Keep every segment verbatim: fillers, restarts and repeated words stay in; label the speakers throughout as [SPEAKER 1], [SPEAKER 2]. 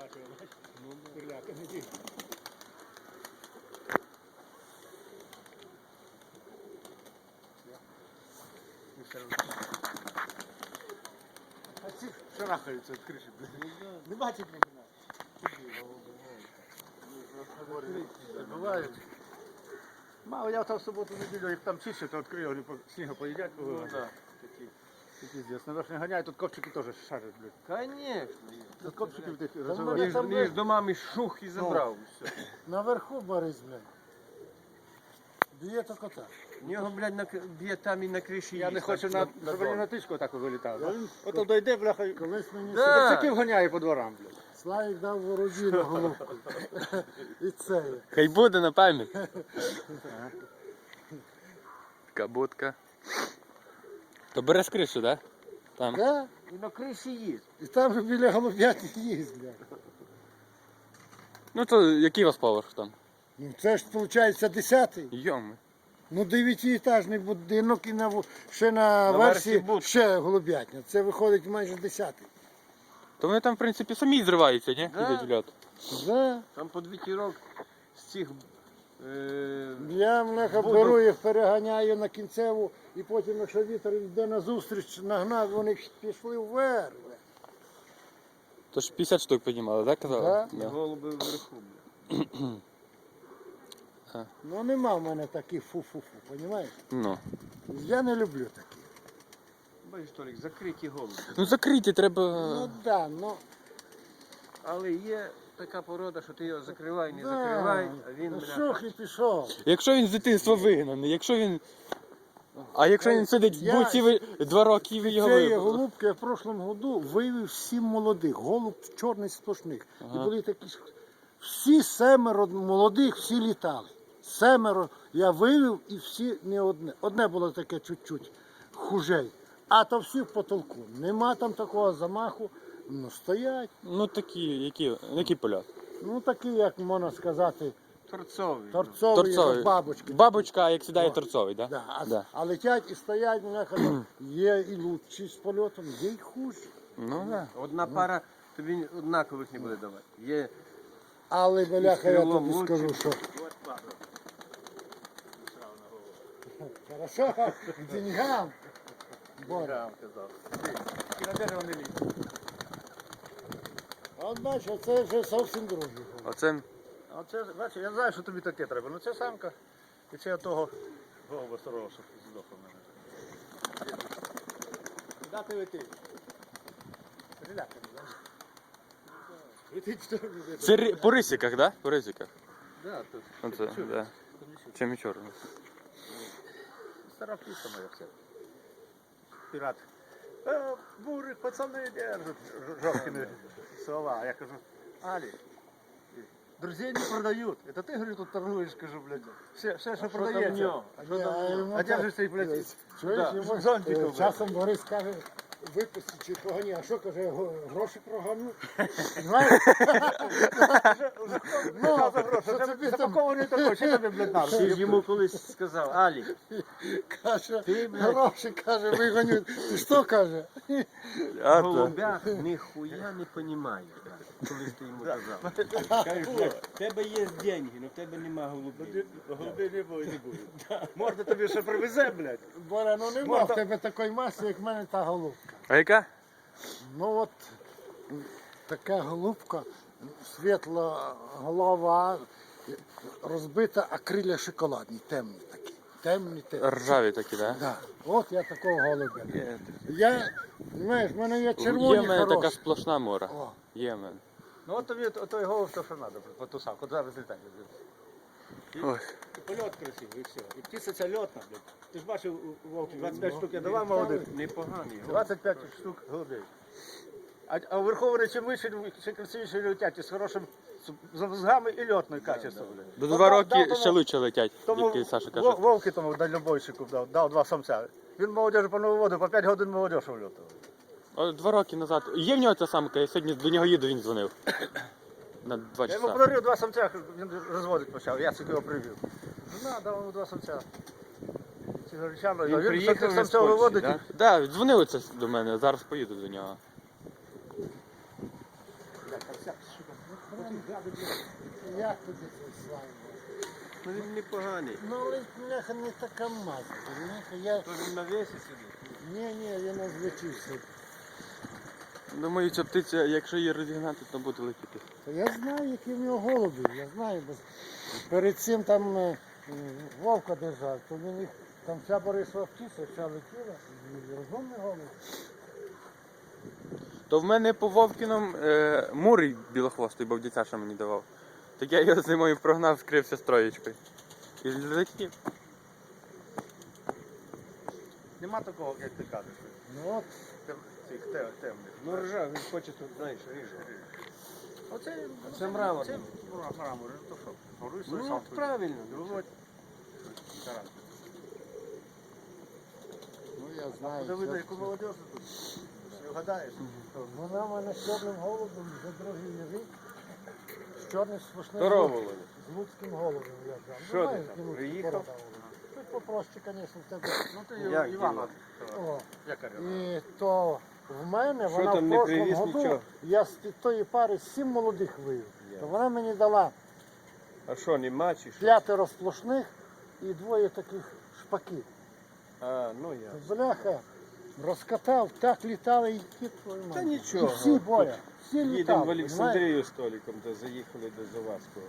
[SPEAKER 1] бачив, бачиш? Курляка не дій. А ці шарахаються від криші. Не бачить мене. Бувають. Мало, я там в суботу-неділю, як там чище, то відкрию, вони по снігу поїдять. Ну, так. Такі здесь. Наверх не ганяють, тут копчики теж шарять, блядь.
[SPEAKER 2] Конечно.
[SPEAKER 1] Тут копчики в тих
[SPEAKER 2] Між,
[SPEAKER 1] розвивають.
[SPEAKER 2] між домами шух і забрав. Все.
[SPEAKER 3] Наверху Борис, блядь. Б'є то кота.
[SPEAKER 2] В нього, блядь, на, к- б'є там і на криші
[SPEAKER 1] Я не
[SPEAKER 2] їсть,
[SPEAKER 1] хочу,
[SPEAKER 2] на,
[SPEAKER 1] на,
[SPEAKER 2] на
[SPEAKER 1] щоб вони
[SPEAKER 2] дом.
[SPEAKER 1] на тичку так вилітав.
[SPEAKER 3] Я він-
[SPEAKER 1] Ото дойде, бляха, і
[SPEAKER 3] Колись мені
[SPEAKER 2] Да.
[SPEAKER 1] копчиків ганяє по дворам, блядь.
[SPEAKER 3] Славік дав ворожі на головку. І це. є.
[SPEAKER 4] Хай буде на пам'ять. Така будка. То бере з кришу, так? Да? Там.
[SPEAKER 3] Да?
[SPEAKER 2] І на криші їсть.
[SPEAKER 3] І там же біля голуб'яти їсть, блядь.
[SPEAKER 4] Ну то який у вас поверх там?
[SPEAKER 3] Ну це ж виходить десятий.
[SPEAKER 4] Йоми.
[SPEAKER 3] Ну дев'ятиетажний будинок і на, в- ще на,
[SPEAKER 2] На
[SPEAKER 3] версі
[SPEAKER 2] версі будка.
[SPEAKER 3] ще голуб'ятня. Це виходить майже десятий.
[SPEAKER 4] То вони там, в принципі, самі зриваються, ні?
[SPEAKER 2] Да.
[SPEAKER 4] Ідуть в льот.
[SPEAKER 3] Да.
[SPEAKER 2] Там по вітірок з цих... Е...
[SPEAKER 3] Я мляха
[SPEAKER 2] Буду.
[SPEAKER 3] беру їх, переганяю на кінцеву, і потім, якщо вітер йде на зустріч, нагнав, вони пішли вверх.
[SPEAKER 4] То ж п'ятдесят штук піднімали, так казали?
[SPEAKER 3] Да.
[SPEAKER 4] Да.
[SPEAKER 2] Голуби вверху, бля.
[SPEAKER 3] Ну нема в мене таких фу-фу-фу, розумієш?
[SPEAKER 4] Ну.
[SPEAKER 3] Я не люблю такі.
[SPEAKER 2] Бачиш, Толік, закриті голуби.
[SPEAKER 4] Ну закриті треба.
[SPEAKER 3] Ну да, ну.
[SPEAKER 2] Але є така порода, що ти його закривай, не
[SPEAKER 3] да.
[SPEAKER 2] закривай, а він,
[SPEAKER 3] Ну,
[SPEAKER 2] бля...
[SPEAKER 3] шух і пішов.
[SPEAKER 4] Якщо він з дитинства вигнаний, якщо він. А якщо він сидить в
[SPEAKER 3] Я-
[SPEAKER 4] буці ви- два роки і ви його
[SPEAKER 3] Цієї
[SPEAKER 4] вивели?
[SPEAKER 3] голубки я в прошлому году вивів сім молодих, голуб чорний сплошних.
[SPEAKER 4] Ага.
[SPEAKER 3] І були такі ж- всі семеро молодих, всі літали. Семеро я вивів і всі не одне. Одне було таке чуть-чуть хужей. А то всі в потолку. Нема там такого замаху. Ну стоять.
[SPEAKER 4] Ну такі, які, який польот?
[SPEAKER 3] Ну такі, як можна сказати,
[SPEAKER 2] Торцовий.
[SPEAKER 3] торцові,
[SPEAKER 4] Торцовий.
[SPEAKER 3] як бабочки.
[SPEAKER 4] Бабочка, як сідає
[SPEAKER 3] О.
[SPEAKER 4] торцовий, так?
[SPEAKER 3] Да. А,
[SPEAKER 4] Да.
[SPEAKER 3] а летять і стоять, мене кажуть, є і лучші з польотом, є й хужі.
[SPEAKER 4] Ну так.
[SPEAKER 2] Одна пара тобі однакових не буде давати. Є
[SPEAKER 3] Але, бляха, я
[SPEAKER 2] крилом
[SPEAKER 3] тобі
[SPEAKER 2] лучше.
[SPEAKER 3] скажу, що... Хорошо, к деньгам. Боря.
[SPEAKER 1] І на дерево не лізь.
[SPEAKER 3] А от бачиш, це вже зовсім другий.
[SPEAKER 4] Оце.
[SPEAKER 1] А це, бачиш, я знаю, що тобі таке треба. Ну це самка. І це того голуба старого, що здох у мене. Куди ти летиш? Риляка, не знаєш? Летить, що ли?
[SPEAKER 4] Це ри- по рисиках, так? Да? По рисиках.
[SPEAKER 2] да, то
[SPEAKER 4] Оце, так. Да. Чим і чорно.
[SPEAKER 1] Стара птиця моя все. Пірат. Е, бурик, пацани держать жовтими слова. А я кажу, Алі, друзей не продают. Это ты, говорю, тут торгуешь, кажу, блядь. Все, все що продається.
[SPEAKER 3] А, ні, а йому
[SPEAKER 1] А
[SPEAKER 3] так-
[SPEAKER 1] держишся і, блядь,
[SPEAKER 3] Чуєш,
[SPEAKER 1] да,
[SPEAKER 3] йому
[SPEAKER 1] зонтиком,
[SPEAKER 3] е,
[SPEAKER 1] блядь.
[SPEAKER 3] часом Борис каже, випусти чи погані, а що каже, го- гроші прогану. Знаєш? Ну,
[SPEAKER 1] Що за гроші?
[SPEAKER 3] що
[SPEAKER 1] Це
[SPEAKER 3] тобі там
[SPEAKER 1] запакований такой, що тобі, блядь, надо?
[SPEAKER 2] Ти ж йому колись сказав, Алі,
[SPEAKER 3] каже,
[SPEAKER 2] Ти, блядь.
[SPEAKER 3] гроші, каже, вигоню. Ти що каже?
[SPEAKER 4] А,
[SPEAKER 2] в
[SPEAKER 4] то.
[SPEAKER 2] голубях ніхуя не понімаєш, блядь, колись ти йому казав.
[SPEAKER 5] Кажеш, блядь, в тебе є деньги, але в тебе нема голубів.
[SPEAKER 1] Голуби не буде, не буде. Можна тобі ще привезе, блядь.
[SPEAKER 3] Боря, ну нема
[SPEAKER 1] Можна-
[SPEAKER 3] в тебе такої маси, як в мене та голубка.
[SPEAKER 4] А яка?
[SPEAKER 3] Ну от така голубка, світла голова, розбита, а крилля шоколадні, темні такі. Темні, темні.
[SPEAKER 4] Ржаві такі, так?
[SPEAKER 3] Да. От я такого голубя.
[SPEAKER 4] Є.
[SPEAKER 3] Я, знаєш, в мене є
[SPEAKER 4] Є
[SPEAKER 3] червоні
[SPEAKER 4] в мене така
[SPEAKER 3] хороші.
[SPEAKER 4] сплошна мора.
[SPEAKER 3] О,
[SPEAKER 4] Є в мене.
[SPEAKER 1] Ну от тобі той голуб, то що треба, по ту самку, зараз літати.
[SPEAKER 4] Ой.
[SPEAKER 1] І польот красивий, і все. І птиця ця льотна, блядь. Ти ж бачив, у Вовки, двадцять п'ять штук я давав молодих.
[SPEAKER 2] Непоганий.
[SPEAKER 1] двадцять п'ять штук голубей. А, а вверху вони чим вище, ще красивіше летять, і з хорошим з мозгами і льотною качеством. блядь.
[SPEAKER 4] До
[SPEAKER 1] От
[SPEAKER 4] два
[SPEAKER 1] дав-
[SPEAKER 4] роки
[SPEAKER 1] дав тому-
[SPEAKER 4] ще лучше летять,
[SPEAKER 1] Тому
[SPEAKER 4] як Саша
[SPEAKER 1] Вов-
[SPEAKER 4] каже.
[SPEAKER 1] Вовки тому дальнобойщику дав, дав два самця. Він молодежі по нову воду, по п'ять годин молодежі вльотував.
[SPEAKER 4] О, Два роки назад. Є в нього ця самка, я сьогодні до нього їду, він дзвонив. На два
[SPEAKER 1] Я йому
[SPEAKER 4] часа.
[SPEAKER 1] подарив два самця, він розводити почав, я його привів. Ну, на, дав йому два самця. Ці горячани,
[SPEAKER 2] Він
[SPEAKER 1] він
[SPEAKER 2] приїхав
[SPEAKER 1] тих
[SPEAKER 2] з
[SPEAKER 1] самців
[SPEAKER 2] Польщі,
[SPEAKER 1] виводить.
[SPEAKER 2] да?
[SPEAKER 4] Так, дзвонили це до мене, зараз поїду до нього.
[SPEAKER 1] Бля, там вся штука.
[SPEAKER 3] Як тобі цей слайм?
[SPEAKER 2] Ну він непоганий.
[SPEAKER 3] Ну, але бляха не така мазка. розумієте? Я...
[SPEAKER 2] То він на весі сидить.
[SPEAKER 3] Ні, ні, я не звичився.
[SPEAKER 4] Думаю, ця птиця, якщо її розігнати, то буде летіти.
[SPEAKER 3] Та я знаю, які в нього голуби, я знаю. Бо перед цим там е, е, вовка держав, то він їх, там вся Борисова птиця, вся летіла, і розумний голуб.
[SPEAKER 4] То в мене по Вовкіном е, мурий білохвостий, бо дитяча мені давав. Так я його зимою прогнав, скрився з троєчкою. І летів.
[SPEAKER 1] Нема такого, як ти кажеш.
[SPEAKER 3] Ну от,
[SPEAKER 1] Тем, цих тем, темних.
[SPEAKER 2] Ну ржа, він хоче тут, знаєш, ріже.
[SPEAKER 1] Оце,
[SPEAKER 2] Це мрамор.
[SPEAKER 1] Це мрамор, то що? Горуй
[SPEAKER 2] Ну
[SPEAKER 1] сам.
[SPEAKER 2] от правильно.
[SPEAKER 1] Володь. Тарас.
[SPEAKER 3] ну я знаю.
[SPEAKER 1] Буде видно,
[SPEAKER 3] це-
[SPEAKER 1] яку молодежь тут. Все вгадаєш.
[SPEAKER 3] Вона в мене з чорним голубом вже другий рік. З чорним смішним
[SPEAKER 2] Здорово,
[SPEAKER 3] голубом.
[SPEAKER 2] Володя.
[SPEAKER 3] З луцьким голубом я взяв.
[SPEAKER 2] Що
[SPEAKER 3] Ну,
[SPEAKER 2] ти
[SPEAKER 3] знаю,
[SPEAKER 2] там,
[SPEAKER 3] які луцькі
[SPEAKER 2] приїхав?
[SPEAKER 3] порода голубів. Тут попроще, звісно, в тебе.
[SPEAKER 1] Ну ти
[SPEAKER 2] Як
[SPEAKER 1] Івана.
[SPEAKER 3] О,
[SPEAKER 1] Яка
[SPEAKER 3] і то в мене,
[SPEAKER 2] Що
[SPEAKER 3] вона
[SPEAKER 2] там
[SPEAKER 3] в
[SPEAKER 2] не
[SPEAKER 3] прошлому
[SPEAKER 2] привіз
[SPEAKER 3] году,
[SPEAKER 2] нічого?
[SPEAKER 3] я з тої пари сім молодих вивів.
[SPEAKER 2] Я.
[SPEAKER 3] То вона мені дала
[SPEAKER 2] А що, нема чи що?
[SPEAKER 3] п'ятеро сплошних і двоє таких шпаків.
[SPEAKER 2] А, ну я.
[SPEAKER 3] Бляха, розкатав, так літали і ті твої
[SPEAKER 2] Та
[SPEAKER 3] мати.
[SPEAKER 2] нічого.
[SPEAKER 3] І всі боя, всі
[SPEAKER 2] Їдемо
[SPEAKER 3] літали.
[SPEAKER 2] в
[SPEAKER 3] понімаєш?
[SPEAKER 2] Олександрію з Толіком, то заїхали до Завадського.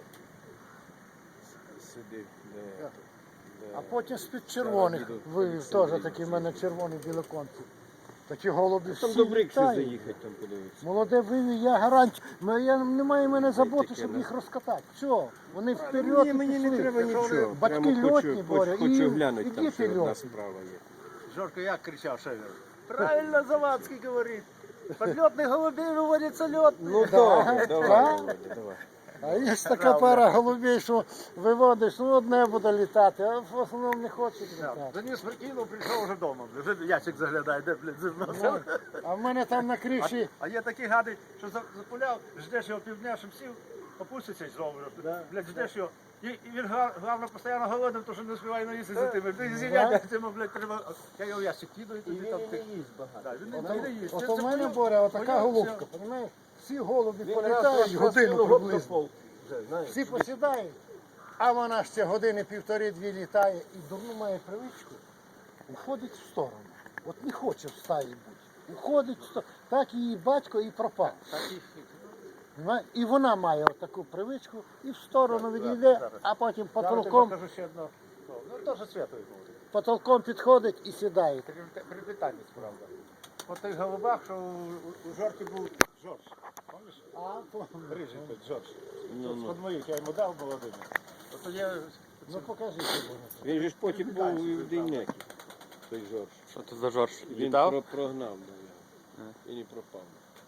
[SPEAKER 2] С- Сидив, де,
[SPEAKER 3] Так.
[SPEAKER 2] де...
[SPEAKER 3] А потім з-під червоних
[SPEAKER 2] їду в
[SPEAKER 3] вивів
[SPEAKER 2] Олександрію.
[SPEAKER 3] теж такі в мене червоні білоконці. Такі голуби
[SPEAKER 2] Там
[SPEAKER 3] всі
[SPEAKER 2] до Брикси
[SPEAKER 3] літають.
[SPEAKER 2] заїхати, там подивитися.
[SPEAKER 3] Молоде вивів, я гарантію. М- Я, немає в мене заботи,
[SPEAKER 2] таке,
[SPEAKER 3] щоб
[SPEAKER 2] да.
[SPEAKER 3] їх розкатати. Все, вони вперед
[SPEAKER 2] Мені,
[SPEAKER 3] і
[SPEAKER 2] мені не
[SPEAKER 3] пішли.
[SPEAKER 2] треба
[SPEAKER 3] Якщо вони
[SPEAKER 2] нічого.
[SPEAKER 3] Батьки
[SPEAKER 2] Прямо
[SPEAKER 3] льотні,
[SPEAKER 2] хочу,
[SPEAKER 3] Боря,
[SPEAKER 2] хочу,
[SPEAKER 3] і,
[SPEAKER 2] хочу глянути,
[SPEAKER 3] і
[SPEAKER 2] там
[SPEAKER 3] діти
[SPEAKER 2] ще одна
[SPEAKER 3] льотні.
[SPEAKER 2] справа є.
[SPEAKER 1] Жорко як кричав Шевер. Правильно Завадський говорить. Подльотних голубей виводяться льотні.
[SPEAKER 2] Ну
[SPEAKER 3] Да,
[SPEAKER 2] добре,
[SPEAKER 3] да.
[SPEAKER 2] давай, Володя, давай.
[SPEAKER 3] А є така
[SPEAKER 1] Правда.
[SPEAKER 3] пара голубей, що виводиш, ну одне буде літати, а в основному не хочуть літати.
[SPEAKER 1] Заніс прикинув, прийшов вже вдома. Вже ящик заглядає, де, блядь, зерно.
[SPEAKER 3] Ну, а в мене там на криші,
[SPEAKER 1] А є такі гади, що за- запуляв, ждеш його півдня, щоб сів, опуститься і знову. Блядь, ждеш його. І, і він гла- головне постійно голодним, тому що не співає наїсти за тими. Ти зілля, цьому, блядь, треба. Я його в ящик кину і
[SPEAKER 2] І
[SPEAKER 1] тоді
[SPEAKER 2] він
[SPEAKER 1] там
[SPEAKER 2] і
[SPEAKER 1] ти.
[SPEAKER 2] не їсть багато.
[SPEAKER 1] Да, він не-
[SPEAKER 3] от,
[SPEAKER 1] він не їсть.
[SPEAKER 3] от
[SPEAKER 1] Це-
[SPEAKER 3] у
[SPEAKER 1] це
[SPEAKER 3] мене,
[SPEAKER 1] поняв-
[SPEAKER 3] Боря, отака
[SPEAKER 1] поняв,
[SPEAKER 3] голубка,
[SPEAKER 1] все.
[SPEAKER 3] розумієш? Всі голуби
[SPEAKER 2] Він
[SPEAKER 3] політають
[SPEAKER 2] раз
[SPEAKER 3] годину
[SPEAKER 2] розпустив
[SPEAKER 3] приблизно.
[SPEAKER 2] год до пол- знаєш.
[SPEAKER 3] Всі посідають, а вона ще години півтори-дві літає і дурну має привичку, уходить в сторону. От не хоче в стаї бути. Уходить в сторону. Так її батько і пропав. Понімаєш? І вона має таку привичку і в сторону відійде,
[SPEAKER 1] зараз.
[SPEAKER 3] а потім
[SPEAKER 1] Зараз я
[SPEAKER 3] потолком,
[SPEAKER 1] покажу ще одно. Ну, ну теж святою буде.
[SPEAKER 3] потолком підходить і сідає.
[SPEAKER 1] Привітальність, правда. От тих голубах, що у, у, у Жорки був Жорж. Пам'ятаєш?
[SPEAKER 3] А, то-
[SPEAKER 1] Рижий той Жорж.
[SPEAKER 2] Ну,
[SPEAKER 1] Тут
[SPEAKER 2] ну.
[SPEAKER 1] з-під моїх я йому дав молодим. Ото я
[SPEAKER 3] ну покажи, що буде.
[SPEAKER 2] Він же ж потім був і в Дейнякі, той Жорж.
[SPEAKER 4] Що це за Жорж?
[SPEAKER 2] Він
[SPEAKER 4] Літав?
[SPEAKER 2] про- прогнав, да, і не пропав.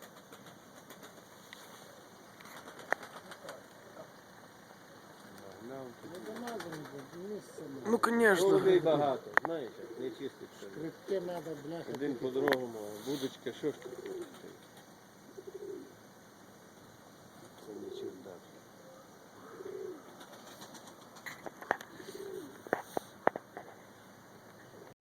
[SPEAKER 2] Нагнав туди.
[SPEAKER 4] Ну, звісно.
[SPEAKER 2] Голубей багато, знаєш, як не чистить все.
[SPEAKER 3] Критки треба, бляха.
[SPEAKER 2] Один по другому, а будочка, що ж таке?